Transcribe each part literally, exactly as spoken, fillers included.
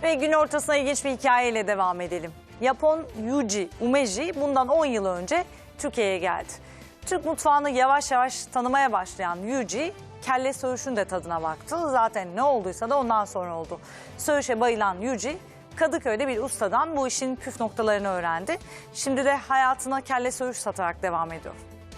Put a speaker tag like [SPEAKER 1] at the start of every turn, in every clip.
[SPEAKER 1] Ve gün ortasına ilginç bir hikayeyle devam edelim. Japon Yuji Umeji bundan on yıl önce Türkiye'ye geldi. Türk mutfağını yavaş yavaş tanımaya başlayan Yuji, kelle söğüşün de tadına baktı. Zaten ne olduysa da ondan sonra oldu. Söğüşe bayılan Yuji, Kadıköy'de bir ustadan bu işin püf noktalarını öğrendi. Şimdi de hayatına kelle söğüş satarak devam ediyor.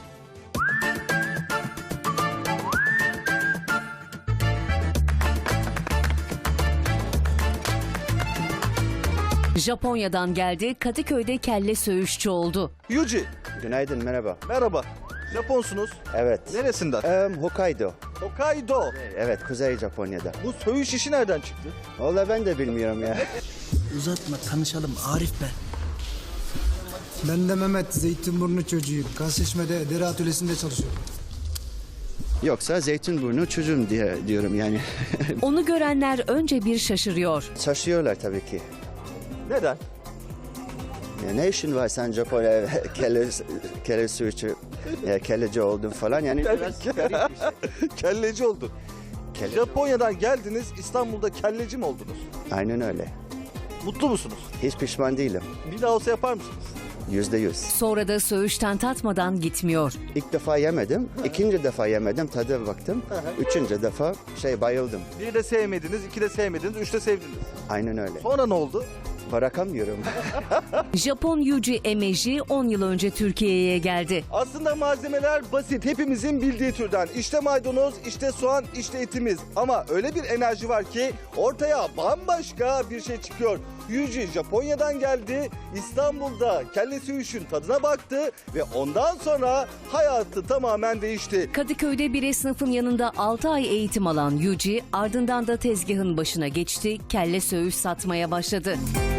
[SPEAKER 2] Japonya'dan geldi, Kadıköy'de kelle söğüşçü oldu.
[SPEAKER 3] Yuji,
[SPEAKER 4] Günaydın, merhaba.
[SPEAKER 3] merhaba. Japonsunuz.
[SPEAKER 4] Evet.
[SPEAKER 3] Neresinden?
[SPEAKER 4] Em, Hokkaido.
[SPEAKER 3] Hokkaido.
[SPEAKER 4] Evet, Kuzey Japonya'da.
[SPEAKER 3] Bu söğüş işi nereden çıktı?
[SPEAKER 4] Vallahi ben de bilmiyorum ya.
[SPEAKER 5] Uzatma, tanışalım. Arif ben. Ben de Mehmet, Zeytinburnu çocuğuyum. Kasışme'de deri atölyesinde çalışıyorum.
[SPEAKER 4] Yoksa Zeytinburnu çocuğum diye diyorum yani.
[SPEAKER 2] Onu görenler önce bir şaşırıyor.
[SPEAKER 4] Şaşıyorlar tabii ki.
[SPEAKER 3] Neden?
[SPEAKER 4] Ya ne işin var sen Japonya'ya kelle, kelle suçu, ya kelleci oldun falan yani biraz garip bir şey.
[SPEAKER 3] Kelleci oldu.
[SPEAKER 4] Kelle-
[SPEAKER 3] Japonya'dan geldiniz, İstanbul'da kelleci mi oldunuz?
[SPEAKER 4] Aynen öyle.
[SPEAKER 3] Mutlu musunuz?
[SPEAKER 4] Hiç pişman değilim.
[SPEAKER 3] Bir daha olsa yapar mısınız?
[SPEAKER 4] Yüzde yüz.
[SPEAKER 2] Sonra da söğüşten tatmadan gitmiyor.
[SPEAKER 4] İlk defa yemedim, ikinci defa yemedim, tadı baktım. Üçüncü defa şey bayıldım.
[SPEAKER 3] Bir de sevmediniz, iki de sevmediniz, üç de sevdiniz.
[SPEAKER 4] Aynen öyle.
[SPEAKER 3] Sonra ne oldu?
[SPEAKER 4] Bırakamıyorum.
[SPEAKER 2] Japon Yuji Emeji on yıl önce Türkiye'ye geldi.
[SPEAKER 3] Aslında malzemeler basit, hepimizin bildiği türden. İşte maydanoz, işte soğan, işte etimiz. Ama öyle bir enerji var ki ortaya bambaşka bir şey çıkıyor. Yuji Japonya'dan geldi, İstanbul'da kelle söğüşün tadına baktı ve ondan sonra hayatı tamamen değişti.
[SPEAKER 2] Kadıköy'de bir esnafın yanında altı ay eğitim alan Yuji, ardından da tezgahın başına geçti, kelle söğüş satmaya başladı.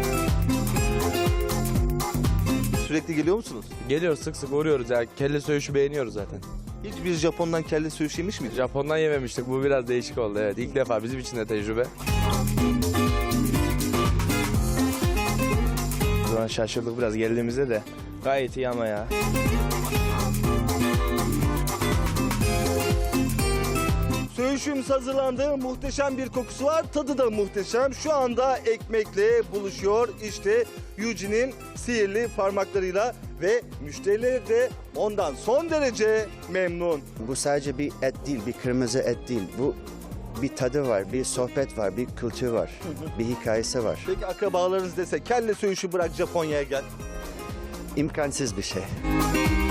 [SPEAKER 3] Sürekli geliyor musunuz?
[SPEAKER 6] Geliyoruz, sık sık uğruyoruz ya. Kelle söğüşü beğeniyoruz zaten.
[SPEAKER 3] Hiçbir Japon'dan kelle söğüş yemiş miydiniz?
[SPEAKER 6] Japon'dan yememiştik. Bu biraz değişik oldu, evet. İlk defa bizim için de tecrübe. O zaman şaşırdık biraz geldiğimizde de. Gayet iyi ama ya.
[SPEAKER 3] Söğüşümüz hazırlandı. Muhteşem bir kokusu var. Tadı da muhteşem. Şu anda ekmekle buluşuyor. İşte Yuji'nin sihirli parmaklarıyla ve müşterileri de ondan son derece memnun.
[SPEAKER 4] Bu sadece bir et değil, bir kırmızı et değil. Bu bir tadı var, bir sohbet var, bir kültür var, bir hikayesi var.
[SPEAKER 3] Peki akrabalarınız dese kelle söğüşü bırak Japonya'ya gel.
[SPEAKER 4] İmkansız bir şey.